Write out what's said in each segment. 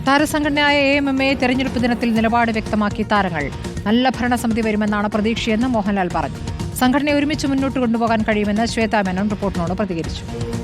താരസംഘടനയായ AMMA തെരഞ്ഞെടുപ്പ് ദിനത്തിൽ നിലപാട് വ്യക്തമാക്കി താരങ്ങൾ. നല്ല ഭരണസമിതി വരുമെന്നാണ് പ്രതീക്ഷയെന്ന് മോഹൻലാൽ പറഞ്ഞു. സംഘടനയെ ഒരുമിച്ച് മുന്നോട്ട് കൊണ്ടുപോകാൻ കഴിയുമെന്ന് ശ്വേതാ മേനോൻ റിപ്പോർട്ടിനോട് പ്രതികരിച്ചു.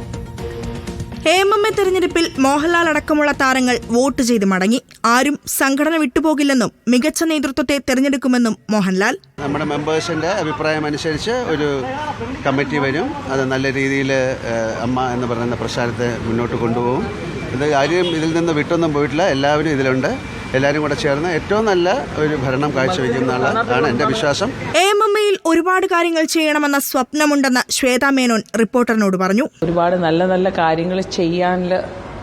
AMMA തെരഞ്ഞെടുപ്പിൽ മോഹൻലാൽ അടക്കമുള്ള താരങ്ങൾ വോട്ട് ചെയ്ത് മടങ്ങി. ആരും സംഘടന വിട്ടുപോകില്ലെന്നും മികച്ച നേതൃത്വത്തെ തെരഞ്ഞെടുക്കുമെന്നും മോഹൻലാൽ. നമ്മുടെ മെമ്പേഴ്സിന്റെ അഭിപ്രായം അനുസരിച്ച് ഒരു കമ്മിറ്റി വരും. അത് നല്ല രീതിയിൽ അമ്മ എന്ന് പറയുന്ന പ്രസ്ഥാനത്തെ മുന്നോട്ട് കൊണ്ടുപോകും. ഇത് ആരും ഇതിൽ നിന്ന് വിട്ടൊന്നും പോയിട്ടില്ല. എല്ലാവരും ഇതിലുണ്ട്. എല്ലാവരും കൂടെ ചേർന്ന് ഏറ്റവും നല്ല ഒരു ഭരണം കാഴ്ചവെക്കുന്നതാണ് എൻ്റെ വിശ്വാസം. AMMയിൽ ഒരുപാട് കാര്യങ്ങൾ ചെയ്യണമെന്ന സ്വപ്നമുണ്ടെന്ന് ശ്വേതാ മേനോൻ റിപ്പോർട്ടറിനോട് പറഞ്ഞു. ഒരുപാട് നല്ല നല്ല കാര്യങ്ങൾ ചെയ്യാനുള്ള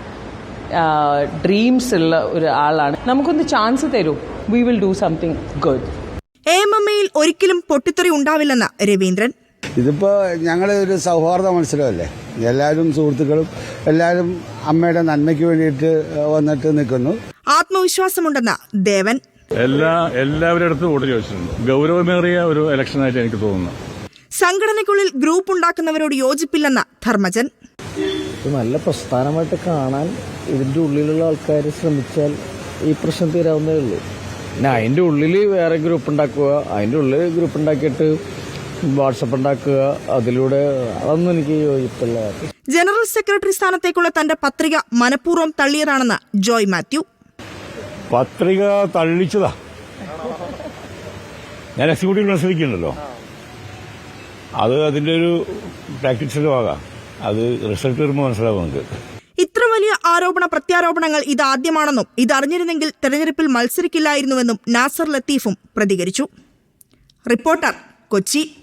ഡ്രീംസ് ഉള്ള ഒരു ആളാണ്. നമുക്കൊന്ന് ചാൻസ് തരൂ, we will do something good. AMMയിൽ ഒരിക്കലും പൊട്ടിത്തെറി ഉണ്ടാവില്ലെന്ന് രവീന്ദ്രൻ. ഇതിപ്പോൾ ഞങ്ങൾ ഒരു സൗഹാർദ്ദ മത്സരമല്ലേ, എല്ലാവരും സുഹൃത്തുക്കളും എല്ലാവരും അമ്മയുടെ നന്മയ്ക്ക് വേണ്ടിയിട്ട് വന്നിട്ട് നിൽക്കുന്നു. ആത്മവിശ്വാസമുണ്ടെന്ന് ദേവൻ. എല്ലാവരുടെ അടുത്തും വോട്ട് ചോദിച്ചിട്ടുണ്ട്. ഗൗരവമേറിയ ഒരു ഇലക്ഷനായിട്ട് എനിക്ക് തോന്നുന്നു. സംഘടനയ്ക്കുള്ളിൽ ഗ്രൂപ്പ് ഉണ്ടാക്കുന്നവരോട് യോജിപ്പില്ലെന്ന ധർമ്മജൻ. നല്ല പ്രസ്ഥാനമായിട്ട് കാണാൻ ഇതിന്റെ ഉള്ളിലുള്ള ആൾക്കാർ ശ്രമിച്ചാൽ ഈ പ്രശ്നം തീരാവുന്നേ ഉള്ളൂ. പിന്നെ അതിന്റെ ഉള്ളിൽ വേറെ ഗ്രൂപ്പ് ഉണ്ടാക്കുക, അതിന്റെ ഉള്ളിൽ ഗ്രൂപ്പ് ഉണ്ടാക്കിയിട്ട് വാട്സപ്പ് ഉണ്ടാക്കുക, അതിലൂടെ അതൊന്നും എനിക്ക് യോജിപ്പില്ല. ജനറൽ സെക്രട്ടറി സ്ഥാനത്തേക്കുള്ള തന്റെ പത്രിക മനഃപൂർവ്വം തള്ളിയതാണെന്ന് ജോയ് മാത്യു. പത്രിക തള്ളിച്ചതാ. ഞാൻ എക്സിക്യൂട്ടീവ് മത്സരിക്കുന്നുണ്ടല്ലോ, അത് അതിന്റെ ഒരു പ്രാക്ടീസിന്റെ ഭാഗം. അത് റിസൾട്ട് വരുമ്പോൾ മനസ്സിലാവും നമുക്ക്. ഇത്ര വലിയ ആരോപണ പ്രത്യാരോപണങ്ങൾ ഇതാദ്യമാണെന്നും ഇതറിഞ്ഞിരുന്നെങ്കിൽ തെരഞ്ഞെടുപ്പിൽ മത്സരിക്കില്ലായിരുന്നുവെന്നും നാസർ ലത്തീഫും പ്രതികരിച്ചു. റിപ്പോർട്ടർ, കൊച്ചി.